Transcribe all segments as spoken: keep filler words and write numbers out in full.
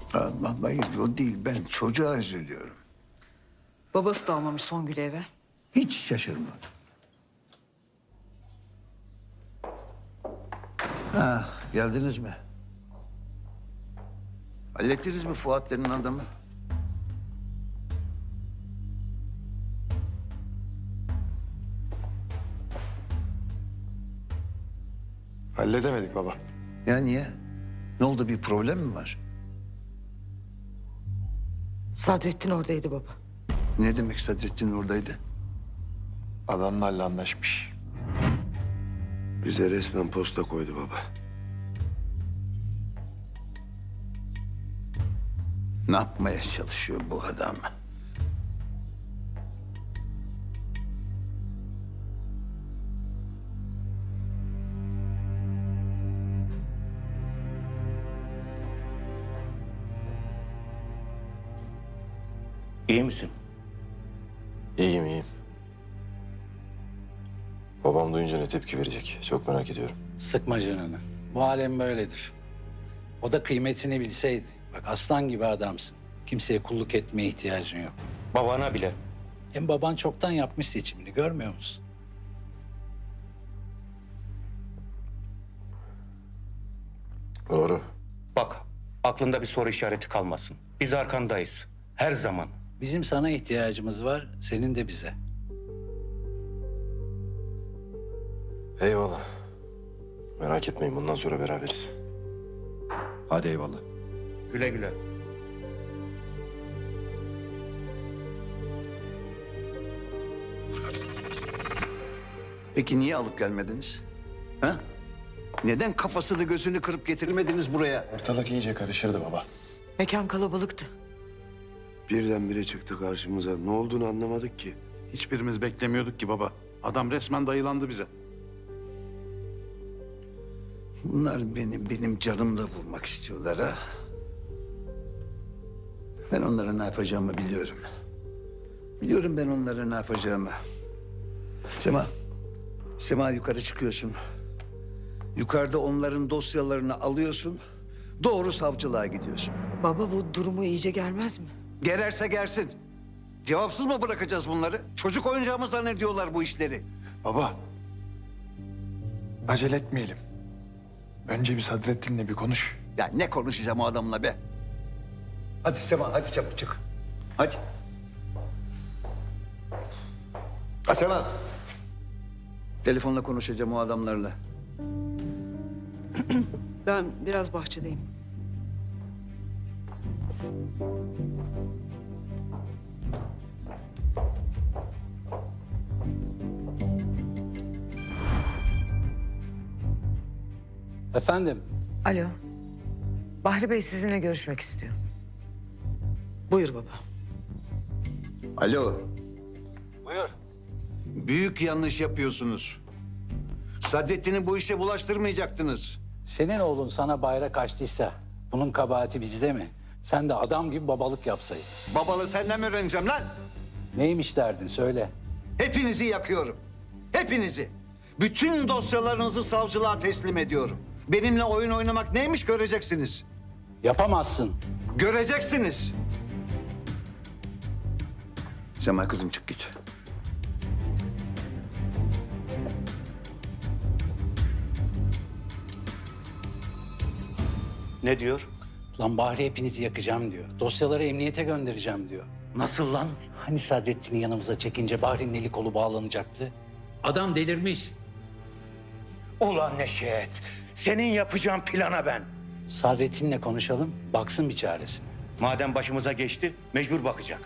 Allah, hayır o değil, ben çocuğa üzülüyorum. Babası da almamış Songül'ü eve. Hiç şaşırmadım. Ha, geldiniz mi? Hallettiniz mi Fuat denen adamı? Halledemedik baba. Ya niye? Ne oldu, bir problem mi var? Sadrettin oradaydı baba. Ne demek Sadrettin oradaydı? Adamlarla anlaşmış. Bize resmen posta koydu baba. Ne yapmaya çalışıyor bu adam? İyi misin? İyiyim, iyiyim. Babam duyunca ne tepki verecek? Çok merak ediyorum. Sıkma canını. Bu alem böyledir. O da kıymetini bilseydi. Bak aslan gibi adamsın. Kimseye kulluk etmeye ihtiyacın yok. Babana bile. Hem baban çoktan yapmış seçimini, görmüyor musun? Doğru. Bak, aklında bir soru işareti kalmasın. Biz arkandayız. Her zaman. Bizim sana ihtiyacımız var, senin de bize. Eyvallah. Merak etmeyin, bundan sonra beraberiz. Hadi eyvallah. Güle güle. Peki niye alıp gelmediniz? Ha? Neden kafasını gözünü kırıp getirmediniz buraya? Ortalık iyice karışırdı baba. Mekan kalabalıktı. Birdenbire çıktı karşımıza. Ne olduğunu anlamadık ki. Hiçbirimiz beklemiyorduk ki baba. Adam resmen dayılandı bize. Bunlar beni benim canımla vurmak istiyorlar ha. Ben onlara ne yapacağımı biliyorum. Biliyorum ben onlara ne yapacağımı. Sema, Sema yukarı çıkıyorsun. Yukarıda onların dosyalarını alıyorsun. Doğru savcılığa gidiyorsun. Baba bu durumu iyice gelmez mi? Gererse gersin. Cevapsız mı bırakacağız bunları? Çocuk oyuncağı mı zannediyorlar bu işleri? Baba. Acele etmeyelim. Önce bir Sadrettin'le bir konuş. Ya ne konuşacağım o adamla be? Hadi Sema, hadi çabuk çık. Hadi. Ha Sema. Telefonla konuşacağım o adamlarla. Ben biraz bahçedeyim. Efendim, Alo. Bahri Bey sizinle görüşmek istiyor. Buyur baba. Alo. Buyur. Büyük yanlış yapıyorsunuz. Sadrettin'i bu işe bulaştırmayacaktınız. senin oğlun sana bayrak açtıysa bunun kabahati bizde mi? Sen de adam gibi babalık yapsaydın. Babalı senden mi öğreneceğim lan? Neymiş derdin söyle. Hepinizi yakıyorum. Hepinizi. Bütün dosyalarınızı savcılığa teslim ediyorum. Benimle oyun oynamak neymiş göreceksiniz. Yapamazsın. Göreceksiniz. Sema kızım çık git. Ne diyor? Lan Bahri hepinizi yakacağım diyor. Dosyaları emniyete göndereceğim diyor. Nasıl lan? Hani Sadrettin'i yanımıza çekince Bahri'nin eli kolu bağlanacaktı? Adam delirmiş. Ulan Neşet, senin yapacağın plana ben. Sadrettin'le konuşalım, baksın bir çaresine. Madem başımıza geçti, mecbur bakacak.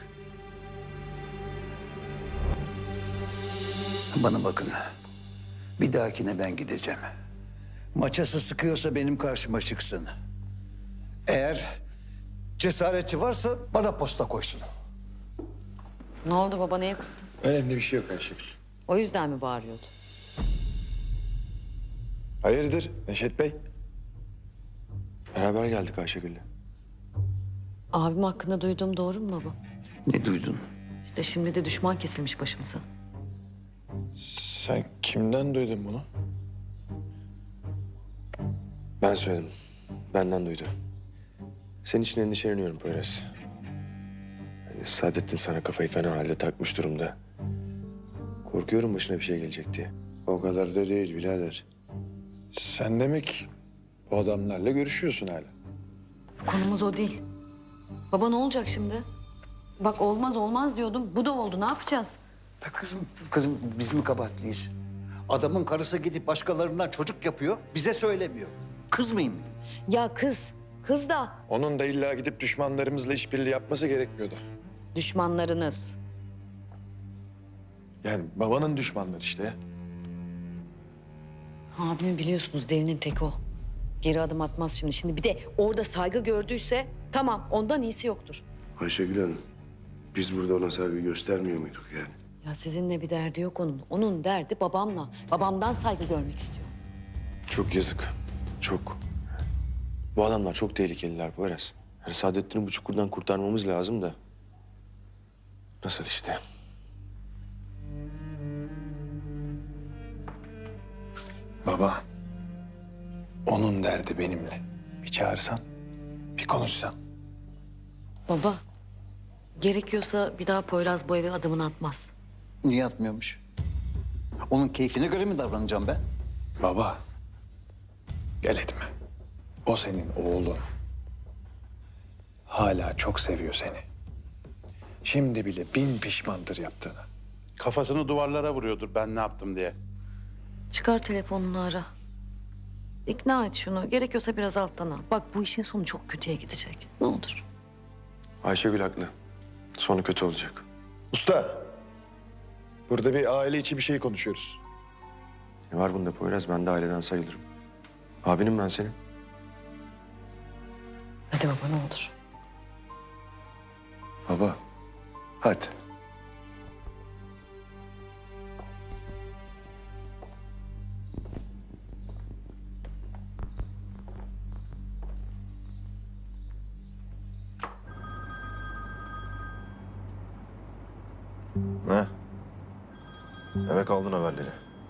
Bana bakın. Bir dahakine ben gideceğim. Maçası sıkıyorsa benim karşıma çıksın. Eğer cesareti varsa bana posta koysun. Ne oldu baba, neye kızdın? Önemli bir şey yok Ayşegül. O yüzden mi bağırıyordu? Hayırdır Neşet Bey? Beraber geldik Ayşegül'le. Abim hakkında duyduğum doğru mu baba? Ne duydun? İşte şimdi de düşman kesilmiş başımıza. Sen kimden duydun bunu? Ben söyledim. Benden duydu. Senin için endişeleniyorum Poyraz. Yani Saadettin sana kafayı fena halde takmış durumda. Korkuyorum başına bir şey gelecek diye. O kadar da değil birader. Sen demek bu adamlarla görüşüyorsun hala. Konumuz o değil. Baba ne olacak şimdi? Bak olmaz olmaz diyordum. Bu da oldu. Ne yapacağız? Ya kızım, kızım biz mi kabahatliyiz? Adamın karısı gidip başkalarından çocuk yapıyor, bize söylemiyor. Kız mıyım? Ya kız. Kız da Onun da illa gidip düşmanlarımızla işbirliği yapması gerekmiyordu. düşmanlarınız. Yani babanın düşmanları işte ya. Abimi biliyorsunuz delinin tek o. Geri adım atmaz şimdi. Şimdi bir de orada saygı gördüyse tamam ondan iyisi yoktur. Ayşegül Hanım, biz burada ona saygı göstermiyor muyduk yani? Ya sizinle bir derdi yok onun. Onun derdi babamla. Babamdan saygı görmek istiyor. Çok yazık. Çok. Bu adamlar çok tehlikeliler Poyraz. Yani Saadettin'i bu çukurdan kurtarmamız lazım da. Nasıl işte? Baba, onun derdi benimle. Bir çağırsan, bir konuşsan. Baba, gerekiyorsa bir daha Poyraz bu eve adımını atmaz. Niye atmıyormuş? Onun keyfine göre mi davranacağım ben? Baba, gel etme. O senin oğlun. Hala çok seviyor seni. Şimdi bile bin pişmandır yaptığına. Kafasını duvarlara vuruyordur ben ne yaptım diye. Çıkar telefonunu ara. İkna et şunu. Gerekiyorsa biraz alttan al. Bak bu işin sonu çok kötüye gidecek. Ne olur. Ayşegül haklı. Sonu kötü olacak. Usta. Burada bir aile içi bir şey konuşuyoruz. Ne var bunda Poyraz? Ben de aileden sayılırım. Abinim ben senin. Hadi baba ne olur. Baba. Hadi. Ne? Demek aldın haberleri.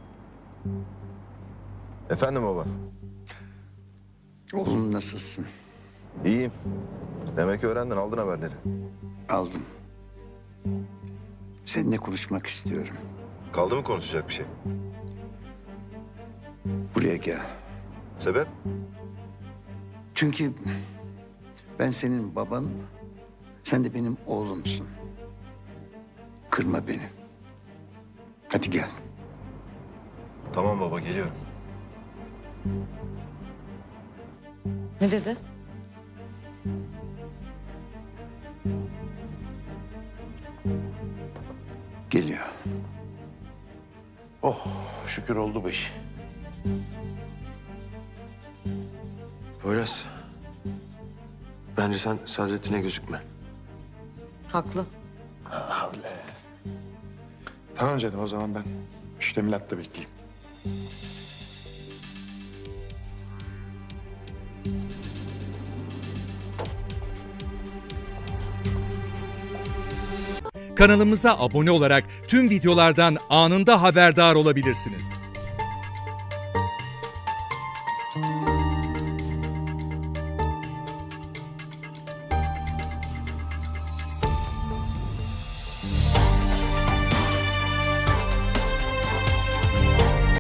Efendim baba? Oğlum nasılsın? İyiyim. Demek öğrendin, aldın haberleri. Aldım. Seninle konuşmak istiyorum. Kaldı mı konuşacak bir şey? Buraya gel. Sebep? Çünkü ben senin baban, sen de benim oğlumsun. Kırma beni. Hadi gel. Tamam baba, geliyorum. Ne dedi? Geliyor. Oh şükür oldu bu iş. Poyraz. Bence sen Saadettin'e gözükme. Haklı. Tamam canım, o zaman ben müştemilatta bekleyeyim. Kanalımıza abone olarak tüm videolardan anında haberdar olabilirsiniz.